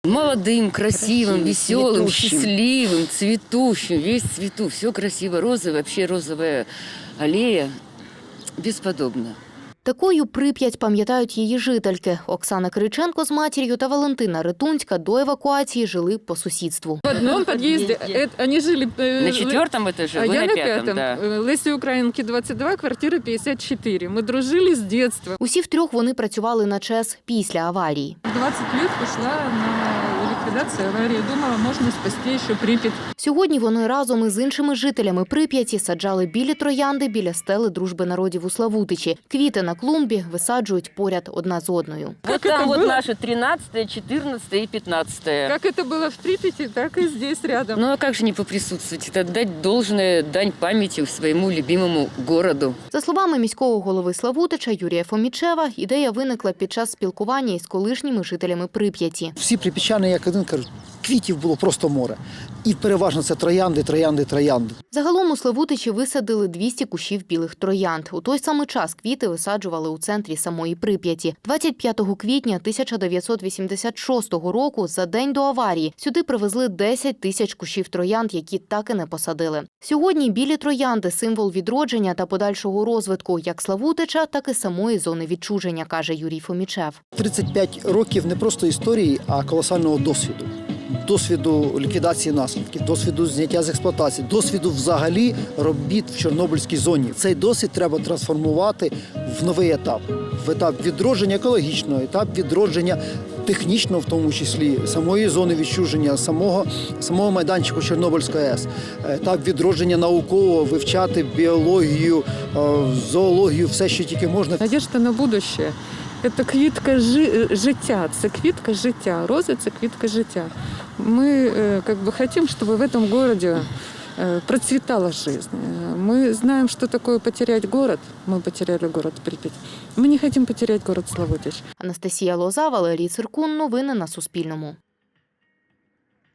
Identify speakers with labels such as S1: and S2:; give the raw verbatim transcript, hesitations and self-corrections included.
S1: Молодым, красивым,
S2: Красивым,
S1: веселым,
S2: цветущим.
S1: счастливым, цветущим, весь в цвету, все красиво, розовое, вообще розовая аллея, бесподобно.
S3: Такою Прип'ять пам'ятають її жительки. Оксана Кириченко з матір'ю та Валентина Ритунська до евакуації жили по сусідству.
S4: В одном подъезде э, они жили... э,
S1: На четвертом этаже,
S4: А
S1: вы
S4: я
S1: на
S4: на
S1: пятом,
S4: пятом.
S1: да.
S4: Э, Леси Украинки, двадцать два, квартира пятьдесят четыре. Мы дружили с детства.
S3: Усі втрьох вони працювали на ЧЕС після аварії.
S4: двадцать лет пошла на ликвидацию аварии. Думала, можно спасти еще Припять.
S3: Сьогодні вони разом із іншими жителями Прип'яті саджали білі троянди біля стели Дружби народів у Славутичі. Квіти на клумбі висаджують поряд одна з одною.
S1: Вот
S4: это
S1: там вот
S4: было?
S1: наши тринадцатое, четырнадцатое и пятнадцатое.
S4: Как это было в Припяти, так и здесь рядом.
S1: Ну а как же не поприсутствовать? Это отдать должное, дань памяти своему любимому городу.
S3: За словами міського голови Славутича Юрія Фомічева, ідея виникла під час спілкування із колишніми жителями Прип'яті.
S2: Всі прип'ятчани, як один, кажуть, квітів було просто море. І переважно це троянди, троянди, троянди.
S3: Загалом у Славутичі висадили двісті кущів білих троянд. У той самий час квіти висаджували у центрі самої Прип'яті. двадцять п'ятого квітня тисяча дев'ятсот вісімдесят шостого року, за день до аварії, сюди привезли десять тисяч кущів троянд, які так і не посадили. Сьогодні білі троянди – символ відродження та подальшого розвитку як Славутича, так і самої зони відчуження, каже Юрій Фомічев.
S2: тридцять п'ять років не просто історії, а колосального досвіду. Досвіду ліквідації наслідків, досвіду зняття з експлуатації, досвіду взагалі робіт в Чорнобильській зоні. Цей досвід треба трансформувати в новий етап. В етап відродження екологічного, етап відродження технічного, в тому числі, самої зони відчуження, самого, самого майданчику Чорнобильської АЕС. Етап відродження наукового, вивчати біологію, зоологію, все, що тільки можна.
S4: Надежда на будущее. Це квітка жи- життя, це квітка життя. Роза – це квітка життя. Ми э, как бы хотим, чтобы в этом городе э, процветала жизнь. Мы знаем, что такое потерять город. Мы потеряли город Припять. Мы не хотим потерять город Славутич.
S3: Анастасія Лоза, Валерій Циркун. Новини на Суспільному.